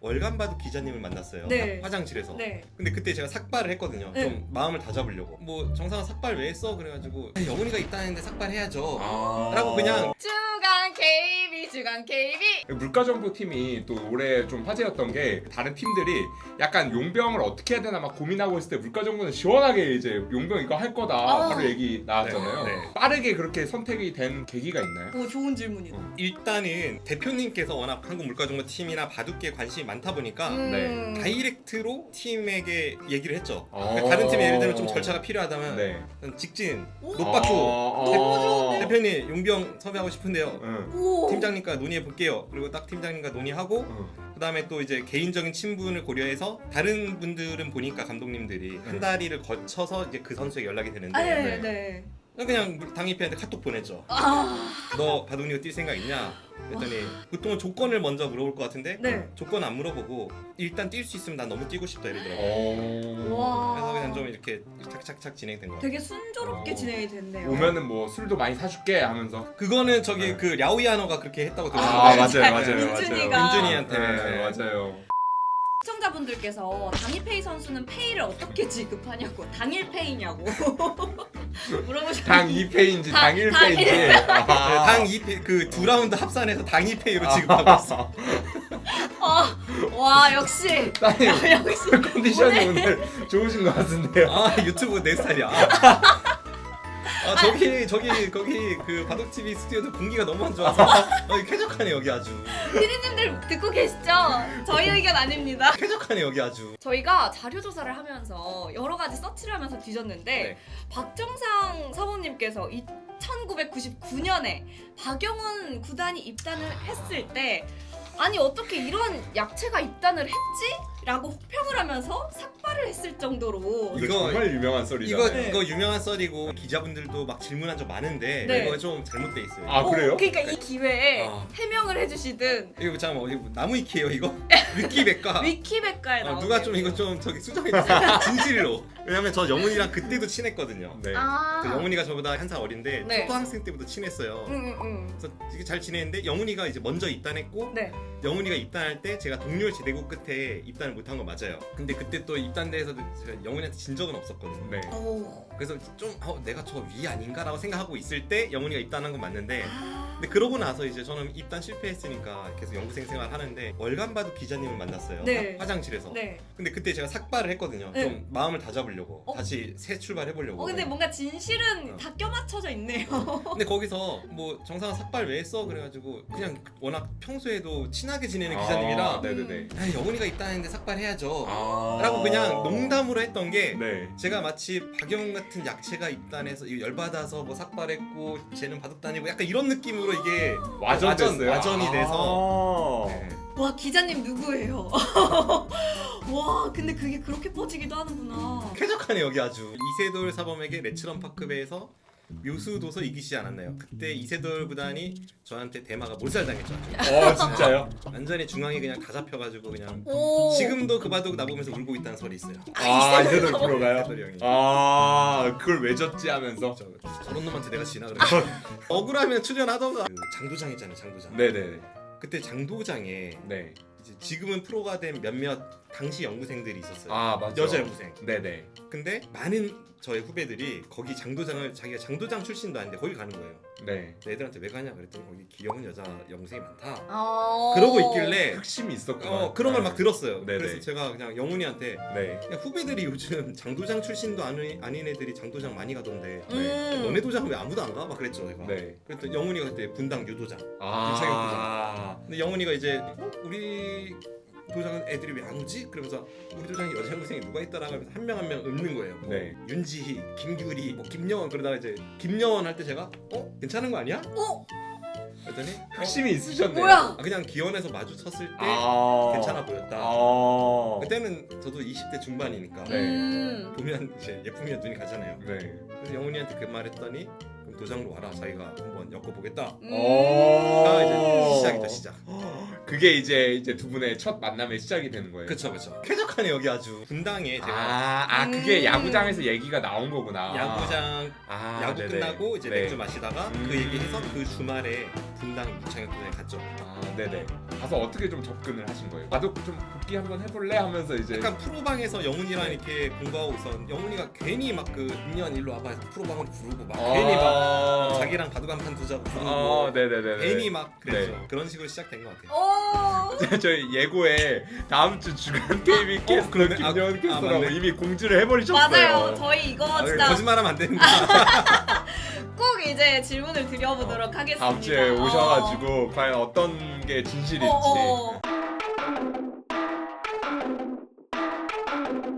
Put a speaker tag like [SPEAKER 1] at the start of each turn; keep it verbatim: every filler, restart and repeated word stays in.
[SPEAKER 1] 월간 바둑 기자님을 만났어요.
[SPEAKER 2] 네.
[SPEAKER 1] 화장실에서.
[SPEAKER 2] 네.
[SPEAKER 1] 근데 그때 제가 삭발을 했거든요.
[SPEAKER 2] 네.
[SPEAKER 1] 좀 마음을 다잡으려고. 뭐 정상아 삭발 왜 했어? 그래가지고 영훈이가 있다는데 삭발해야죠.
[SPEAKER 3] 아...
[SPEAKER 1] 라고 그냥
[SPEAKER 2] 주간 케이비 주간 케이비.
[SPEAKER 3] 물가정보 팀이 또 올해 좀 화제였던 게 다른 팀들이 약간 용병을 어떻게 해야 되나 막 고민하고 있을 때 물가정보는 시원하게 이제 용병 이거 할 거다
[SPEAKER 2] 아.
[SPEAKER 3] 바로 얘기 나왔잖아요.
[SPEAKER 1] 네, 네.
[SPEAKER 3] 빠르게 그렇게 선택이 된 계기가 있나요?
[SPEAKER 2] 오 좋은 질문이다.
[SPEAKER 3] 어.
[SPEAKER 1] 일단은 대표님께서 워낙 한국 물가정보 팀이나 바둑계에 관심이 많다 보니까
[SPEAKER 2] 음.
[SPEAKER 1] 다이렉트로 팀에게 얘기를 했죠.
[SPEAKER 3] 어.
[SPEAKER 1] 다른 팀에 예를 들면 좀 절차가 필요하다면
[SPEAKER 3] 네.
[SPEAKER 1] 직진,
[SPEAKER 2] 오.
[SPEAKER 1] 노빠꾸
[SPEAKER 3] 어,
[SPEAKER 2] 너무 좋은데?
[SPEAKER 1] 대표님 용병 섭외하고 싶은데요.
[SPEAKER 3] 응.
[SPEAKER 2] 오.
[SPEAKER 1] 팀장님과 논의해 볼게요. 그리고 딱 팀장님과 논의하고
[SPEAKER 3] 응.
[SPEAKER 1] 그 다음에 또 이제 개인적인 친분을 고려해서 다른 분들은 보니까 감독님들이 한 다리를 거쳐서 이제 그 선수에게 연락이 되는데
[SPEAKER 2] 아, 네,
[SPEAKER 3] 네.
[SPEAKER 2] 네.
[SPEAKER 1] 그냥 당입회한테 카톡 보냈죠.
[SPEAKER 2] 아.
[SPEAKER 1] 너 바둑리그 뛸 생각 있냐? 그랬더니 보통은 조건을 먼저 물어볼 것 같은데
[SPEAKER 2] 네.
[SPEAKER 1] 조건 안 물어보고 일단 뛸 수 있으면 난 너무 뛰고 싶다 이러더라고요.
[SPEAKER 3] 어...
[SPEAKER 2] 와.
[SPEAKER 1] 그래서 그냥 좀 이렇게 착착착 진행된 거 같아요.
[SPEAKER 2] 되게 순조롭게
[SPEAKER 3] 어.
[SPEAKER 2] 진행이 됐네요.
[SPEAKER 3] 오면은 뭐 술도 많이 사줄게 하면서.
[SPEAKER 1] 그거는 저기
[SPEAKER 3] 네.
[SPEAKER 1] 그 랴오이아노가 그렇게 했다고
[SPEAKER 3] 아,
[SPEAKER 1] 들었는데
[SPEAKER 3] 맞아요, 맞아요,
[SPEAKER 2] 민준이가.
[SPEAKER 3] 맞아요.
[SPEAKER 1] 민준이한테.
[SPEAKER 3] 네, 맞아요.
[SPEAKER 2] 시청자분들께서 당일페이 선수는 페이를 어떻게 지급하냐고 당일 페이냐고 물어보셨는데
[SPEAKER 3] 당 이 패인지
[SPEAKER 2] 당-
[SPEAKER 3] 당 일 패인지.
[SPEAKER 1] 네,
[SPEAKER 3] 아.
[SPEAKER 1] 당 이 패 그 두 라운드 합산해서 당 이 패로 지급하고 있어.
[SPEAKER 2] 아, 와 역시
[SPEAKER 3] 따님
[SPEAKER 2] 역시
[SPEAKER 3] 컨디션이 오늘 좋으신 것 같은데요.
[SPEAKER 1] 아 유튜브 내 스타일이야. 아, 아 저기 저기 거기 그 바둑 티비 스튜디오도 공기가 너무 안 좋아서 어, 쾌적하네 여기 아주.
[SPEAKER 2] 피디님들 듣고 계시죠? 저희 의견 아닙니다.
[SPEAKER 1] 쾌적하네 여기 아주.
[SPEAKER 2] 저희가 자료 조사를 하면서 여러 가지 서치를 하면서 뒤졌는데
[SPEAKER 1] 네.
[SPEAKER 2] 박정상 사모님께서 천구백구십구 년에 박영훈 구단이 입단을 했을 때 아니 어떻게 이런 약체가 입단을 했지? 라고 혹평을 하면서 삭발을 했을 정도로
[SPEAKER 3] 이거
[SPEAKER 1] 이거-
[SPEAKER 3] 정말 유명한 썰이잖아요.
[SPEAKER 1] 이거
[SPEAKER 2] 네.
[SPEAKER 1] 이거 유명한 썰이고 기자분들도 막 질문한 적 많은데
[SPEAKER 2] 네.
[SPEAKER 1] 이거 좀 잘못돼 있어요.
[SPEAKER 3] 아, 그래요?
[SPEAKER 2] 어, 그러니까 이 기회에
[SPEAKER 1] 아.
[SPEAKER 2] 해명을 해주시든
[SPEAKER 1] 이거 잠깐 어디 나무 위키예요 이거? 위키백과.
[SPEAKER 2] 위키백과에
[SPEAKER 1] 어,
[SPEAKER 2] 나오는
[SPEAKER 1] 누가 좀 이거 좀 저기 수정해 주세요. 진실로. 왜냐면 저 영훈이랑 그때도 친했거든요.
[SPEAKER 3] 네.
[SPEAKER 2] 아.
[SPEAKER 1] 그 영훈이가 저보다 한 살 어린데
[SPEAKER 2] 네.
[SPEAKER 1] 초등학생 때부터 친했어요.
[SPEAKER 2] 응, 응, 응.
[SPEAKER 1] 그래서 되게 잘 지냈는데 영훈이가 이제 먼저 입단했고
[SPEAKER 2] 네.
[SPEAKER 1] 영훈이가 입단할 때 제가 동률 제대고 끝에 입단을 못한 거 맞아요. 근데 그때 또 입단대에서도 제가 영훈이한테 진 적은 없었거든요.
[SPEAKER 3] 네.
[SPEAKER 2] 오.
[SPEAKER 1] 그래서 좀 어, 내가 저 위 아닌가라고 생각하고 있을 때 영훈이가 입단한 건 맞는데
[SPEAKER 2] 아.
[SPEAKER 1] 근데 그러고 나서 이제 저는 입단 실패했으니까 계속 연구생 생활 하는데 월간 바둑 기자님을 만났어요.
[SPEAKER 2] 네.
[SPEAKER 1] 화- 화장실에서.
[SPEAKER 2] 네.
[SPEAKER 1] 근데 그때 제가 삭발을 했거든요.
[SPEAKER 2] 네.
[SPEAKER 1] 좀 마음을 다잡으려고
[SPEAKER 2] 어?
[SPEAKER 1] 다시 새 출발해보려고.
[SPEAKER 2] 어 근데 뭔가 진실은
[SPEAKER 1] 어.
[SPEAKER 2] 다 껴맞춰져 있네요.
[SPEAKER 1] 근데 거기서 뭐 정상아 삭발 왜 했어? 그래가지고 그냥 워낙 평소에도 친하게 지내는
[SPEAKER 3] 아,
[SPEAKER 1] 기자님이라
[SPEAKER 3] 네네네.
[SPEAKER 1] 아, 영훈이가 입단했는데 삭발해야죠
[SPEAKER 3] 아.
[SPEAKER 1] 라고 그냥 농담으로 했던 게
[SPEAKER 3] 네.
[SPEAKER 1] 제가 마치 박영훈 같은 약체가 입단해서 이거 열받아서 뭐 삭발했고 쟤는 바둑 다니고 약간 이런 느낌으로 이게
[SPEAKER 3] 와전됐어요.
[SPEAKER 1] 와전이 돼서
[SPEAKER 3] 아.
[SPEAKER 1] 네.
[SPEAKER 2] 와 기자님 누구예요? 와 근데 그게 그렇게 퍼지기도 하는구나.
[SPEAKER 1] 쾌적하네 여기 아주. 이세돌 사범에게 레츠런 파크배에서 묘수 도서 이기시지 않았나요? 그때 이세돌 구단이 저한테 대마가 몰살당했죠.
[SPEAKER 3] 어 진짜요?
[SPEAKER 1] 완전히 중앙에 그냥 다 잡혀가지고 그냥
[SPEAKER 2] 오.
[SPEAKER 1] 지금도 그 바둑 나보면서 울고 있다는 설이 있어요.
[SPEAKER 3] 아 이세돌 프로가요?
[SPEAKER 1] 이세돌 형이.
[SPEAKER 3] 아 그걸 왜 졌지 하면서.
[SPEAKER 1] 저, 저런 놈한테 내가 지나 그래. 억울하면 출연하던가. 그 장도장 있잖아요, 장도장.
[SPEAKER 3] 네네.
[SPEAKER 1] 그때 장도장에
[SPEAKER 3] 네.
[SPEAKER 1] 이제 지금은 프로가 된 몇몇 당시 연구생들이 있었어요.
[SPEAKER 3] 아 맞죠.
[SPEAKER 1] 여자 연구생.
[SPEAKER 3] 네네.
[SPEAKER 1] 근데 많은 저의 후배들이 거기 장도장을 자기가 장도장 출신도 아닌데 거기 가는 거예요.
[SPEAKER 3] 네.
[SPEAKER 1] 애들한테 왜 가냐 그랬더니 거기 귀여운 여자 연구생이 많다.
[SPEAKER 2] 어.
[SPEAKER 1] 그러고 있길래
[SPEAKER 3] 흑심이 있었구나.
[SPEAKER 1] 어, 그런 걸 막 들었어요.
[SPEAKER 3] 네네.
[SPEAKER 1] 그래서 제가 그냥 영훈이한테
[SPEAKER 3] 네.
[SPEAKER 1] 그냥 후배들이 요즘 장도장 출신도 아닌, 아닌 애들이 장도장 많이 가던데
[SPEAKER 2] 음.
[SPEAKER 1] 너네 도장 왜 아무도 안 가? 막 그랬죠 제가.
[SPEAKER 3] 네.
[SPEAKER 1] 그랬더니 영훈이가 그때 분당 유도장.
[SPEAKER 3] 아.
[SPEAKER 1] 근데 영훈이가 이제 어? 우리 도장은 애들이 왜 안 오지? 그러면서 우리 도장에 여자 연구생이 누가 있다라고 하면서 한 명 한 명 읊는 거예요. 뭐
[SPEAKER 3] 네.
[SPEAKER 1] 윤지희, 김규리, 뭐 김여원 그러다가 이제 김여원 할 때 제가 어? 괜찮은 거 아니야?
[SPEAKER 2] 어?
[SPEAKER 1] 그랬더니 어?
[SPEAKER 3] 흑심이 있으셨네요.
[SPEAKER 2] 뭐야?
[SPEAKER 1] 아, 그냥 기원에서 마주쳤을 때
[SPEAKER 3] 아.
[SPEAKER 1] 괜찮아 보였다.
[SPEAKER 3] 아.
[SPEAKER 1] 그때는 저도 이십 대 중반이니까
[SPEAKER 3] 네.
[SPEAKER 2] 음.
[SPEAKER 1] 보면 이제 예쁘면 눈이 가잖아요.
[SPEAKER 3] 네.
[SPEAKER 1] 그래서 영훈이한테 그 말 했더니 그럼 도장로 와라 자기가 한번 엮어보겠다.
[SPEAKER 2] 음.
[SPEAKER 1] 가 이제
[SPEAKER 3] 오.
[SPEAKER 1] 시작이죠 시작.
[SPEAKER 3] 그게 이제 이제 두 분의 첫 만남의 시작이 되는 거예요.
[SPEAKER 1] 그쵸 그쵸. 쾌적하네 여기 아주. 분당에 제가
[SPEAKER 3] 아, 아 그게
[SPEAKER 2] 음.
[SPEAKER 3] 야구장에서 얘기가 나온 거구나.
[SPEAKER 1] 야구장
[SPEAKER 3] 아,
[SPEAKER 1] 야구
[SPEAKER 3] 네네.
[SPEAKER 1] 끝나고 이제
[SPEAKER 3] 네.
[SPEAKER 1] 맥주 마시다가
[SPEAKER 3] 음.
[SPEAKER 1] 그 얘기해서 그 주말에 분당 장혁군에 갔죠.
[SPEAKER 3] 아 네네. 가서 어떻게 좀 접근을 하신 거예요? 나도 좀 복귀 한번 해볼래 하면서 이제
[SPEAKER 1] 약간 프로방에서 영훈이랑 이렇게 공부하고 있었는데 영훈이가 괜히 막 그 인연 일로 와봐 해서 프로방을 부르고 막
[SPEAKER 3] 아~
[SPEAKER 1] 괜히 막 자기랑 바둑한판 두자고 부르고
[SPEAKER 3] 아 네네네.
[SPEAKER 1] 괜히 막 그랬죠.
[SPEAKER 3] 네.
[SPEAKER 1] 그런 식으로 시작된 것 같아요.
[SPEAKER 2] 오.
[SPEAKER 3] 저희 예고에 다음 주 주간 게이밍
[SPEAKER 1] 어,
[SPEAKER 3] 캐스터
[SPEAKER 1] 그러네. 아,
[SPEAKER 3] 김여은
[SPEAKER 1] 아,
[SPEAKER 3] 캐스터라고
[SPEAKER 1] 맞네.
[SPEAKER 3] 이미 공지를 해버리셨어요.
[SPEAKER 2] 맞아요. 저희 이거
[SPEAKER 1] 아,
[SPEAKER 2] 진짜
[SPEAKER 1] 거짓말하면 안 되는데.
[SPEAKER 2] 꼭 이제 질문을 드려보도록 하겠습니다.
[SPEAKER 3] 다음 주에
[SPEAKER 2] 어.
[SPEAKER 3] 오셔가지고 과연 어떤 게 진실일지.
[SPEAKER 2] 어, 어.